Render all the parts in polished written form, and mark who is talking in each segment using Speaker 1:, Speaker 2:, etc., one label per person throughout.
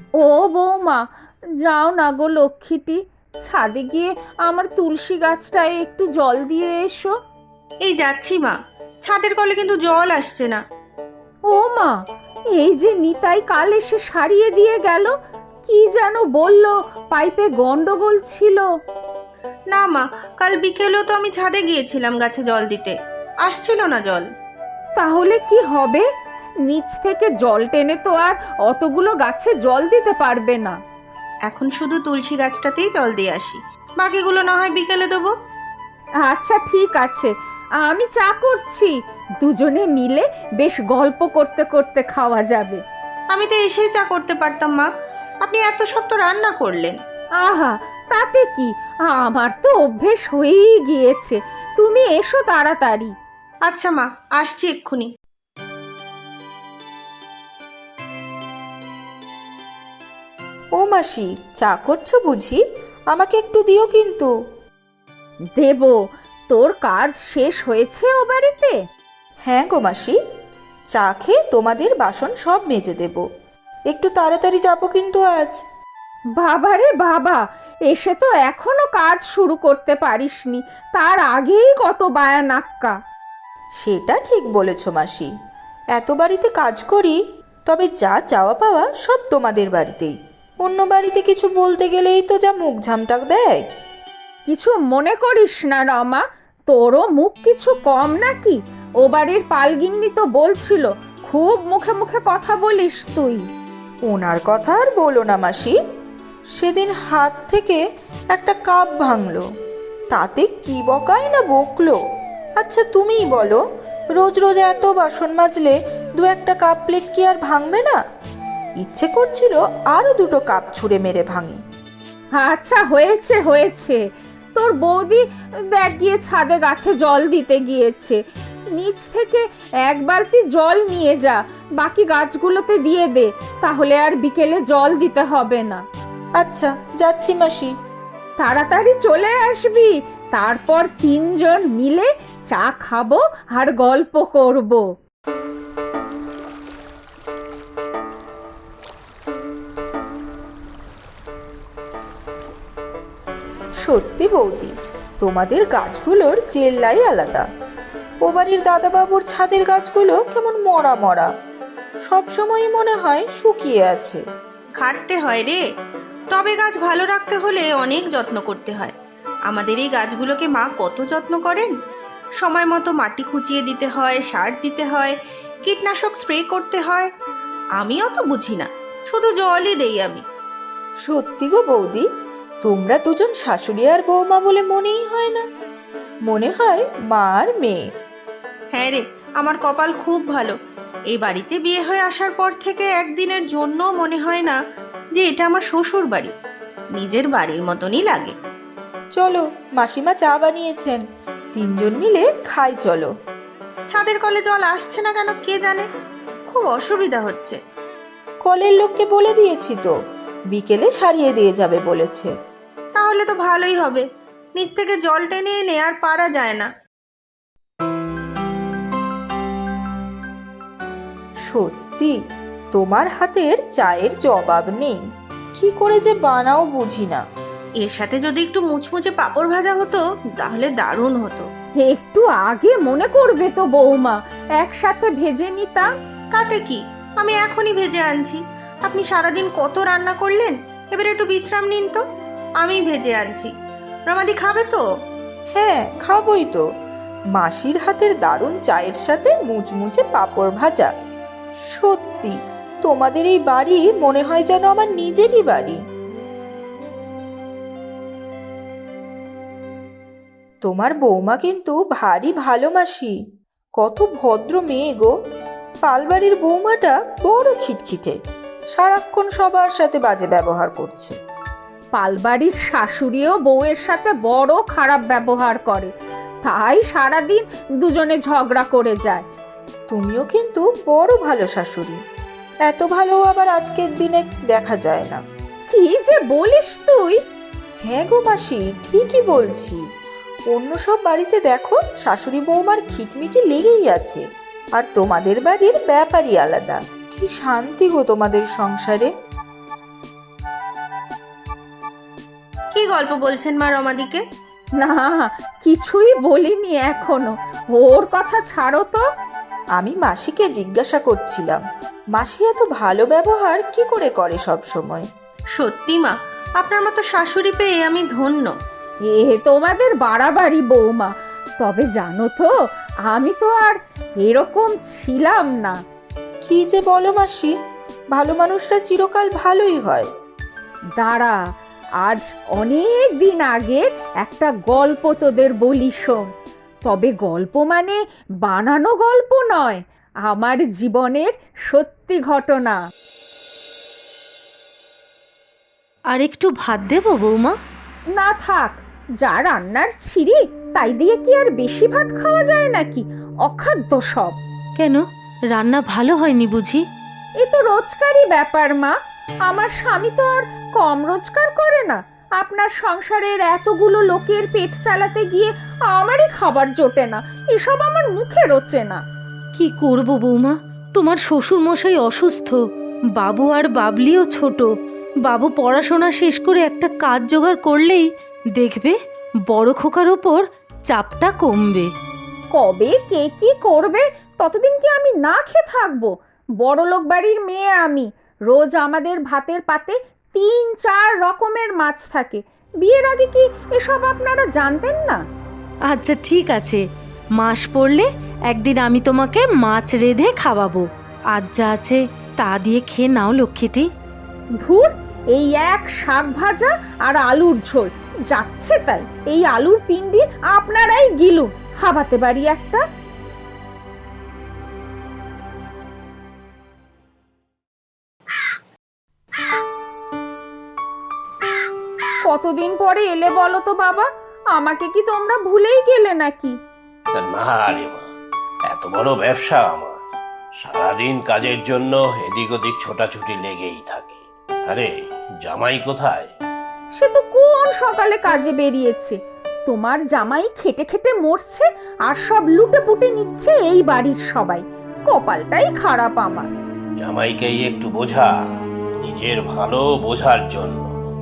Speaker 1: ও বৌমা, যাও না গো লক্ষ্মীটি, ছাদে গিয়ে আমার তুলসী গাছটায় একটু জল দিয়ে এসো।
Speaker 2: এই যাচ্ছি মা, ছাদের কলে কিন্তু জল আসছে না।
Speaker 1: ও মা, এই যে নিতাই কাল এসে সারিয়ে দিয়ে গেল, কি যেন বললো পাইপে গন্ডগোল ছিল।
Speaker 2: না মা, কাল বিকেলেও তো আমি ছাদে গিয়েছিলাম গাছে জল দিতে, আসছিল না জল।
Speaker 1: তাহলে কি হবে? নিচ থেকে জল টেনে তো আর অতগুলো গাছে জল দিতে পারবে না।
Speaker 2: এখন শুধু তুলসী গাছটাতেই জল দিয়ে আসি, বাকিগুলো না হয় বিকেলে দেবো।
Speaker 1: আচ্ছা ঠিক আছে, আমি চা করছি, দুজনে মিলে বেশ গল্প করতে করতে খাওয়া যাবে।
Speaker 2: আমি তো এসেই চা করতে পারতাম মা, আপনি এত সব তো রান্না করলেন।
Speaker 1: আহা, তাতে কি, আমার তো অভ্যেস হয়েই গিয়েছে। তুমি এসো তাড়াতাড়ি।
Speaker 2: আচ্ছা মা, আসছি এক্ষুনি।
Speaker 3: ও মাসি, চা করছো বুঝি? আমাকে একটু দিও কিন্তু।
Speaker 1: দেব। তোর কাজ শেষ হয়েছে ও বাড়িতে?
Speaker 3: হ্যাঁ গো মাসি, চা খেয়ে তোমাদের বাসন সব মেজে দেব। একটু তাড়াতাড়ি যাবো কিন্তু আজ।
Speaker 1: বাবারে বাবা, এসে তো এখনো কাজ শুরু করতে পারিসনি, তার আগেই কত বায়ানাক্কা।
Speaker 3: সেটা ঠিক বলেছো মাসি, এত বাড়িতে কাজ করি, তবে যা চাওয়া পাওয়া সব তোমাদের বাড়িতেই। অন্য বাড়িতে কিছু বলতে গেলেই তো যা মুখ ঝামটাক দেয়।
Speaker 1: কিছু মনে করিস না রমা, তোরও মুখ কিছু কম নাকি? ও বাড়ির পালগিন্নি তো বলছিল খুব মুখে মুখে কথা বলিস তুই।
Speaker 3: ওনার কথা আর বলো না মাসি, সেদিন হাত থেকে একটা কাপ ভাঙলো, তাতে কি বকাই না বকলো। আচ্ছা তুমিই বলো, রোজ রোজ এত বাসন মাজলে দু একটা কাপ প্লেট কি আর ভাঙবে না? ইচ্ছে করছিল আরো দুটো কাপ ছুঁড়ে মেরে ভাঙি।
Speaker 1: আচ্ছা হয়েছে হয়েছে, তোর বৌদি দেখ গিয়ে ছাদে গাছে জল দিতে গিয়েছে, নিচ থেকে এক বালতি জল নিয়ে যা, বাকি গাছগুলোতে দিয়ে দে, তাহলে আর বিকেলে জল দিতে হবে না।
Speaker 3: আচ্ছা যাচ্ছি মাসি।
Speaker 1: তাড়াতাড়ি চলে আসবি, তারপর তিনজন মিলে চা খাবো আর গল্প করব।
Speaker 3: সত্যি বৌদি, তোমাদের গাছগুলোর চেল্লাই আলাদা। ও বাড়ির দাদাবাবুর ছাদের গাছগুলো কেমন মরা মরা, সবসময়ই মনে হয় শুকিয়ে আছে।
Speaker 2: খাটতে হয় রে, টবে গাছ ভালো রাখতে হলে অনেক যত্ন করতে হয়। আমাদের এই গাছগুলোকে মা কত যত্ন করেন, সময় মতো মাটি খুঁচিয়ে দিতে হয়, সার দিতে হয়, কীটনাশক স্প্রে করতে হয়। আমি অত বুঝি না, শুধু জলই দেই আমি।
Speaker 3: সত্যি গো বৌদি, তোমরা দুজন শাশুড়ি আর বৌমা বলে মনেই হয় না, মনে হয় মা আর মেয়ে।
Speaker 2: হ্যাঁ রে, আমার কপাল খুব ভালো। এই বাড়িতে বিয়ে হয়ে আসার পর থেকে একদিনের জন্য মনে হয় না যে এটা আমার শ্বশুর বাড়ি, নিজের বাড়ির মতনই লাগে।
Speaker 3: চলো, মাসিমা চা বানিয়েছেন, তিনজন মিলে খাই চলো।
Speaker 2: ছাদের কলে জল আসছে না কেন কে জানে, খুব অসুবিধা হচ্ছে।
Speaker 3: কলের লোককে বলে দিয়েছি তো, বিকেলে সারিয়ে দিয়ে যাবে বলেছে।
Speaker 2: তাহলে তো ভালোই হবে, নিচ থেকে জল টেনে এনে আর পারা যায় না।
Speaker 3: সত্যি তোমার হাতের চায়ের জবাব নেই, কি করে যে বানাও বুঝি না।
Speaker 2: এর সাথে যদি একটু মুচমুচে পাঁপড় ভাজা হতো তাহলে দারুণ হতো।
Speaker 1: একটু আগে মনে করবে তো বৌমা, একসাথে ভেজে নিতাম।
Speaker 2: তাতে কি, আমি এখনই ভেজে আনছি। আপনি সারাদিন কত রান্না করলেন, এবার একটু বিশ্রাম নিন তো, আমি ভেজে আনছি। রমাদি খাবে তো?
Speaker 3: হ্যাঁ খাবই তো, মাসির হাতের দারুণ চায়ের সাথে মুচমুচে পাঁপড় ভাজা। সত্যি তোমাদের এই বাড়ি মনে হয় যেন আমার নিজেরই বাড়ি। তোমার বৌমা কিন্তু ভারী ভালো মাসি, কত ভদ্র মেয়ে গো। পালবাড়ির বৌমাটা বড় খিটখিটে, সারাক্ষণ সবার সাথে বাজে ব্যবহার করছে।
Speaker 1: পালবাড়ির শাশুড়িও বউয়ের সাথে বড় খারাপ ব্যবহার করে, তাই সারাদিন দুজনে ঝগড়া করে যায়।
Speaker 3: তুমিও কিন্তু বড় ভালো শাশুড়ি, এত ভালো আবার আজকের দিনে দেখা যায় না।
Speaker 1: কি যে বলিস তুই!
Speaker 3: হ্যাঁ গো মাসি, ঠিকই বলছি। অন্য সব বাড়িতে দেখো শাশুড়ি বৌমার খিটমিটি লেগেই আছে, আর তোমাদের বাড়ির ব্যাপারই আলাদা। কি শান্তি গো তোমাদের সংসারে।
Speaker 2: গল্প বলছেন মা রমাদিকে?
Speaker 1: না, কিছুই বলিনি এখনো। ওর কথা ছাড়ো তো।
Speaker 3: আমি মাসিকে জিজ্ঞাসা করছিলাম, মাসি এত ভালো ব্যবহার কি করে করে সব সময়?
Speaker 2: সত্যি মা, আপনার মতো শাশুড়ি পেয়ে আমি ধন্য।
Speaker 1: এ তোমাদের বাড়াবাড়ি বৌমা। তবে জানো তো, আমি তো আর এরকম ছিলাম না।
Speaker 3: কি যে বলো মাসি, ভালো মানুষরা চিরকাল ভালোই হয়।
Speaker 1: দাঁড়া, আজ অনেক দিন আগের একটা গল্প তোদের বলি শোন। তবে গল্প মানে বানানো গল্প নয়, আমার জীবনের সত্যি ঘটনা।
Speaker 4: আর একটু ভাত দেবো বৌমা?
Speaker 1: না থাক, যা রান্নার ছিরি তাই দিয়ে কি আর বেশি ভাত খাওয়া যায় নাকি? অখাদ্য সব।
Speaker 4: কেন, রান্না ভালো হয়নি বুঝি?
Speaker 1: এ তো রোজকারই ব্যাপার মা। আমার স্বামী তো আর কম রোজগার করে না। আপনার সংসারের এতগুলো লোকের পেট চালাতে গিয়ে আমারই খাবার জোটে না। এসব আমার মুখে রোচে না।
Speaker 4: কি করব বৌমা, তোমার শ্বশুর মশাই অসুস্থ, বাবু আর বাবলিও ছোট। বাবু পড়াশোনা শেষ করে একটা কাজ জোগাড় করলেই দেখবে বড় খোকার ওপর চাপটা কমবে।
Speaker 1: কবে কে কি করবে ততদিন কি আমি না খেয়ে থাকবো? বড়লোক বাড়ির মেয়ে আমি। রোজ আমাদের ভাতের পাতে ৩-৪ রকমের মাছ থাকে। বিয়ের আগে কি এসব আপনারা জানতেন না?
Speaker 4: আচ্ছা ঠিক আছে, মাস পড়লে একদিন আমি তোমাকে মাছ রেঁধে খাওয়াবো। আজ যা আছে তা দিয়ে খেয়ে নাও লক্ষ্মীটি।
Speaker 1: ধুর, এই এক শাক ভাজা আর আলুর ঝোল যাচ্ছে তাই। এই আলুর পিণ্ডি আপনারাই গিলুন, হাবাতে বাড়ি একটা। কতদিন পরে এলে বলো তো বাবা? আমাকে কি তোমরা ভুলেই গেলে নাকি?
Speaker 5: না রে মা, এত বড় ব্যবসা আমার, সারাদিন কাজের জন্য এদিক ওদিক ছোটাছুটি লেগেই থাকে। আরে জামাই কোথায়?
Speaker 1: সে তো কোন সকালে কাজে বেরিয়েছে। তোমার জামাই খেটে খেটে মরছে আর সব লুটে পুটে নিচ্ছে এই বাড়ির সবাই। কপালটাই খারাপ আমার।
Speaker 5: জামাইকেই একটু বোঝা, নিজের ভালো বোঝার জন্য।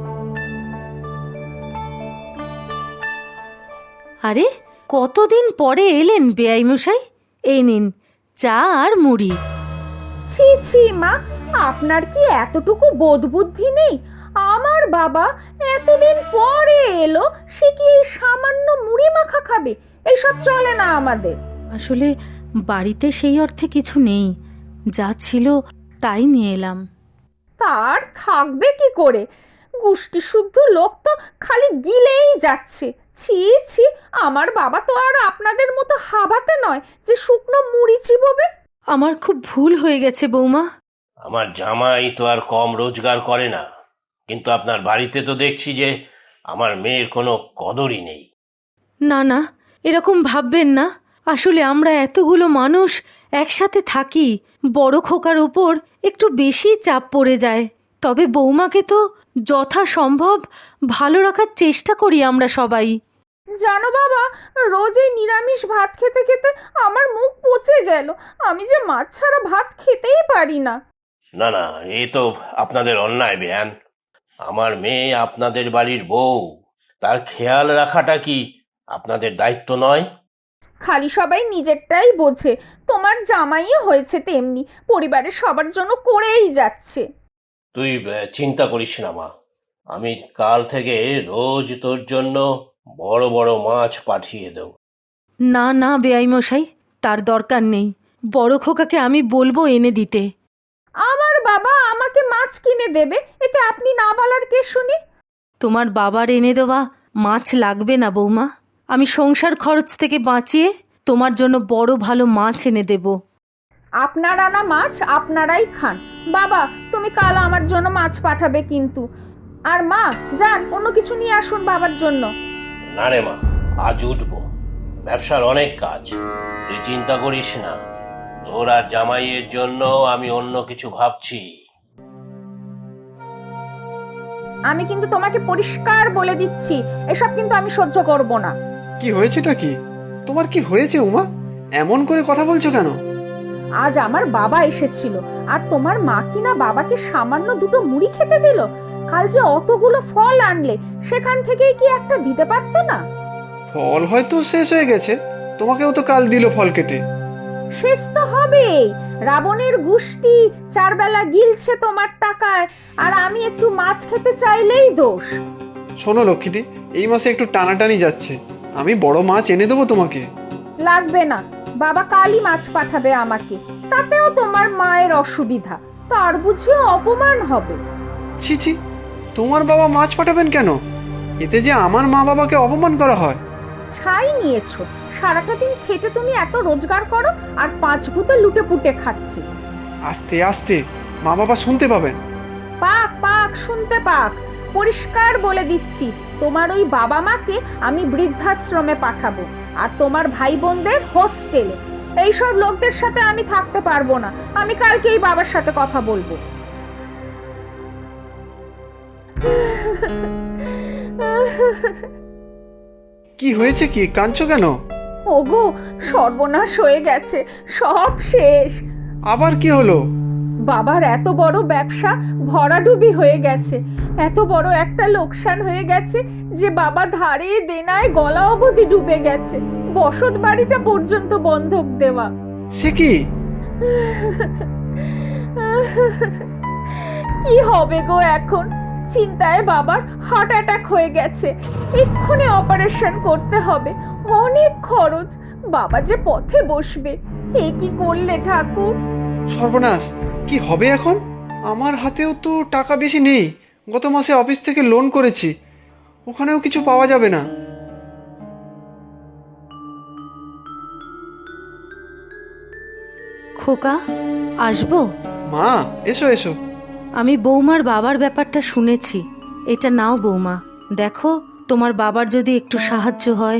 Speaker 4: আরে কতদিন পরে এলেন বেয়াই মশাই, এই নিন চা আর মুড়ি।
Speaker 1: ছি ছি মা, আপনার কি এতটুকু বোধ বুদ্ধি নেই? আমার বাবা এতদিন পরে এলো, সে কি এই সামান্য মুড়ি মাখা খাবে? এইসব চলে না আমাদের।
Speaker 4: আসলে বাড়িতে সেই অর্থে কিছু নেই, যা ছিল তাই নিয়ে এলাম।
Speaker 1: তার থাকবে কি করে? গুষ্টি শুদ্ধ লোক তো খালি গিলেই যাচ্ছে। ছি ছি, আমার বাবা তো আর আপনাদের মতো হাবাতে নয় যে শুকনো মুড়ি চিবোবে।
Speaker 4: আমার খুব ভুল হয়ে গেছে বৌমা।
Speaker 5: আমার জামাই তো আর কম রোজগার করে না, কিন্তু আপনার বাড়িতে তো দেখছি যে আমার মেয়ের কোনো কদরই নেই।
Speaker 4: না না, এরকম ভাববেন না। আসলে আমরা এতগুলো মানুষ একসাথে থাকি, বড় খোকার ওপর একটু বেশি চাপ পড়ে যায়। তবে বৌমাকে তো যথাসম্ভব ভালো রাখার চেষ্টা করি আমরা সবাই।
Speaker 1: জানো বাবা, রোজ এই নিরামিষ ভাত খেতে খেতে আমার মুখ পচে গেল। আমি যে মাছ ছাড়া ভাত খেতেই পারি না।
Speaker 5: না না, এ তো আপনাদের অন্যায় বেয়ান। আমার মেয়ে আপনাদের বাড়ির বউ, তার খেয়াল রাখাটা কি আপনাদের দায়িত্ব নয়?
Speaker 1: খালি সবাই নিজেরটাই বোঝে। তোমার জামাইও হয়েছে তেমনি, পরিবারের সবার জন্য করেই যাচ্ছে।
Speaker 5: তুই চিন্তা করিস না মা, আমি কাল থেকে রোজ তোর জন্য বড় বড় মাছ পাঠিয়ে দেব।
Speaker 4: না না বেয়াই মশাই, তার দরকার নেই। বড় খোকাকে আমি বলবো এনে দিতে।
Speaker 1: আমার বাবা আমাকে মাছ কিনে দেবে, এতে আপনি না বলার কে শুনি?
Speaker 4: তোমার বাবার এনে দেওয়া মাছ লাগবে না বৌমা। আমি সংসার খরচ থেকে বাঁচিয়ে তোমার জন্য বড় ভালো মাছ এনে দেব।
Speaker 1: আপনার আনা মাছ আপনারাই খান। বাবা, তুমি কাল আমার জন্য মাছ পাঠাবে কিন্তু। আর মা, যান অন্য কিছু নিয়ে আসুন বাবার জন্য।
Speaker 5: না রে মা, আজ উঠবো, ব্যবসার অনেক কাজ, তুই চিন্তা করিস না। তোর আর জামাইয়ের জন্য আমি অন্য কিছু ভাবছি।
Speaker 1: আমি কিন্তু তোমাকে পরিষ্কার বলে দিচ্ছি, এসব কিন্তু আমি সহ্য করব না।
Speaker 6: কি হয়েছেটা কি? তোমার কি হয়েছে উমা? এমন করে কথা বলছো কেন?
Speaker 1: আজ আমার বাবা এসেছিল, আর তোমার মা কিনা বাবাকে সামান্য দুটো মুড়ি খেতে দিল। কাল যে অতগুলো ফল আনলে, সেখান থেকেই কি একটা দিতে পারতো না?
Speaker 6: ফল হয়তো শেষ হয়ে গেছে, তোমাকেও তো কাল দিল ফল কেটে।
Speaker 1: শেষ তো হবেই। রাবণের গুষ্টি চারবেলা গিলছে তোমার টাকায়, আর আমি একটু মাছ খেতে চাইলেই দোষ।
Speaker 6: শোনো লক্ষ্মীটি, এই মাসে একটু টানাটানি যাচ্ছে, আমি বড় মাছ এনে দেবো তোমাকে।
Speaker 1: লাগবে না, বাবা কালই মাছ পাঠাবে আমাকে। তাতেও তোমার মায়ের অসুবিধা, তার বুঝিও অপমান হবে।
Speaker 6: ছি ছি, তোমার বাবা মাছ পাঠাবেন কেন? এতে যে আমার মা বাবাকে অপমান করা হয়।
Speaker 1: ছাই নিয়েছো, সারাটা দিন খেটে তুমি এত রোজগার করো, আর পাঁচ ভূতে লুটে পুটে খাচ্ছি।
Speaker 6: আস্তে আস্তে, মা বাবা শুনতে পাবেন।
Speaker 1: পাক পাক শুনতে পাক। পরিষ্কার বলে দিচ্ছি, তোমার ওই বাবা মাকে আমি বৃদ্ধাশ্রমে পাঠাবো, আর তোমার ভাই বোনদের হোস্টেলে। এইসব লোকদের সাথে আমি থাকতে পারবো না। আমি কালকেই বাবার সাথে কথা বলবো।
Speaker 6: কি হয়েছে, কি কাঁদছো কেন?
Speaker 1: ওগো, সর্বনাশ হয়ে গেছে, সব শেষ।
Speaker 6: আবার কি হলো?
Speaker 1: বাবার এত বড় ব্যবসা ভরাডুবি হয়ে গেছে। এত বড় একটা লোকসান হয়ে গেছে যে বাবা ধারে দেনায় গলা অবধি ডুবে গেছে, বসত বাড়িটা পর্যন্ত বন্ধক দেওয়া।
Speaker 6: সে কি?
Speaker 1: কি হবে গো এখন? চিন্তায় বাবার হার্ট অ্যাটাক হয়ে গেছে, এক্ষুনি অপারেশন করতে হবে, অনেক খরচ। বাবা যে পথে বসবে। এ কি করলে ঠাকুর?
Speaker 6: সর্বনাশ, কি হবে এখন? আমার হাতেও তো টাকা বেশি নেই, গত মাসে অফিস থেকে লোন করেছি, ওখানেও কিছু পাওয়া যাবে না।
Speaker 4: খোকা, আসবো?
Speaker 6: মা, এসো এসো।
Speaker 4: আমি বৌমার বাবার ব্যাপারটা শুনেছি। এটা নাও বৌমা, দেখো তোমার বাবার যদি একটু সাহায্য হয়।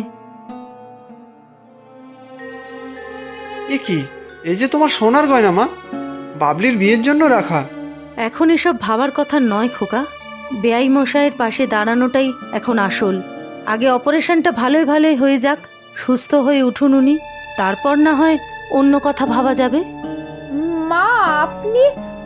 Speaker 6: এ কি, এই যে তোমার সোনার গয়না মা, বাবলির বিয়ের জন্য রাখা।
Speaker 4: এখন এসব ভাবার কথা নয় খোকা, বেআই মশাইয়ের পাশে দাঁড়ানোটাই এখন আসল। আগে অপারেশনটা ভালোই ভালোই হয়ে যাক, সুস্থ হয়ে উঠুন উনি, তারপর না হয় অন্য কথা ভাবা যাবে।
Speaker 1: মা, আপনি,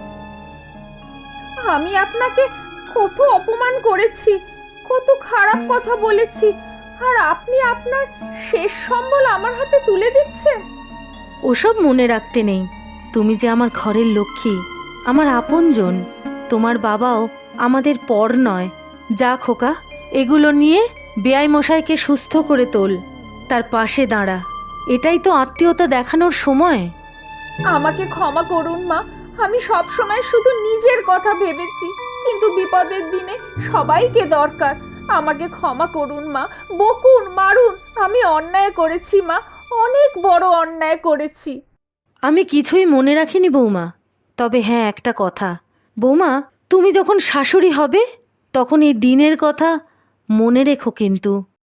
Speaker 1: আমি আপনাকে কত অপমান করেছি, কত খারাপ কথা বলেছি, আর আপনি আপনার শেষ সম্বল আমার হাতে তুলে দিচ্ছেন।
Speaker 4: ওসব মনে রাখতে নেই। তুমি যে আমার ঘরের লক্ষ্মী, আমার আপনজন। তোমার বাবাও আমাদের পর নয়। যা খোকা, এগুলো নিয়ে বেআই মশাইকে সুস্থ করে তোল, তার পাশে দাঁড়া। এটাই তো আত্মীয়তা দেখানোর সময়।
Speaker 1: আমাকে ক্ষমা করুন মা, আমি সব সময় শুধু নিজের কথা ভেবেছি, কিন্তু বিপদের দিনে সবাইকে দরকার। আমাকে ক্ষমা করুন মা, বকুন, মারুন, আমি অন্যায় করেছি মা, অনেক বড় অন্যায় করেছি।
Speaker 4: আমি কিছুই মনে রাখিনি বৌমা। তবে হ্যাঁ, একটা কথা বৌমা, তুমি যখন শাশুড়ি হবে তখন এই দিনের কথা মনে রেখো কিন্তু।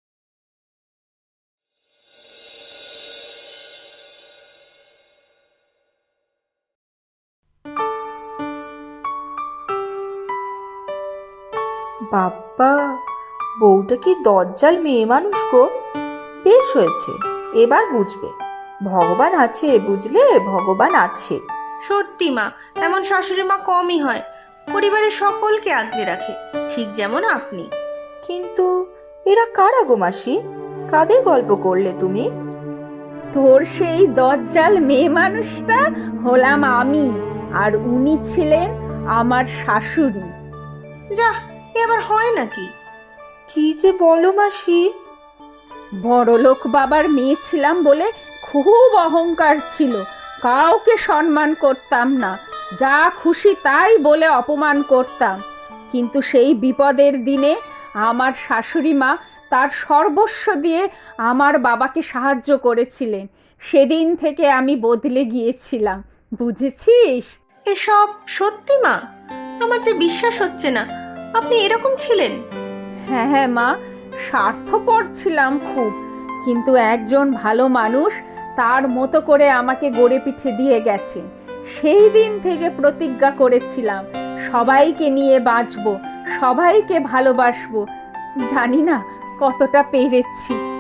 Speaker 3: বাপ্পা, বউটা কি দজ্জাল মেয়ে মানুষ গো। বেশ হয়েছে, এবার বুঝবে ভগবান আছে, বুঝলে, ভগবান আছে।
Speaker 2: সত্যি মা, এমন শাশুড়ি মা কমই হয়, পরিবারের সকলকে আগলে রাখে, ঠিক যেমন আপনি।
Speaker 3: কিন্তু এরা কারা গো মাসি? কাদের গল্প করলে তুমি?
Speaker 1: তোর সেই দজ্জাল মেয়ে মানুষটা হলাম আমি, আর উনি ছিলেন আমার শাশুড়ি।
Speaker 2: যা, এ আবার হয় নাকি?
Speaker 3: কি যে বলো মাসি।
Speaker 1: বড়লোক বাবার মেয়ে ছিলাম বলে খুব অহংকার ছিল, কাউকে সম্মান করতাম না, যা খুশি তাই বলে অপমান করতাম। কিন্তু সেই বিপদের দিনে আমার শাশুড়ি মা তার সর্বস্ব দিয়ে আমার বাবাকে সাহায্য করেছিলেন। সেদিন থেকে আমি বদলে গিয়েছিলাম, বুঝেছিস?
Speaker 2: এসব সত্যি মা? আমার যে বিশ্বাস হচ্ছে না, আপনি এরকম ছিলেন।
Speaker 1: হ্যাঁ হ্যাঁ মা, স্বার্থপর ছিলাম খুব, কিন্তু একজন ভালো মানুষ তার মতো করে আমাকে গড়ে পিঠে দিয়ে গেছেন। সেই দিন থেকে প্রতিজ্ঞা করেছিলাম সবাইকে নিয়ে বাঁচবো, সবাইকে ভালোবাসবো। জানি না কতটা পেরেছি।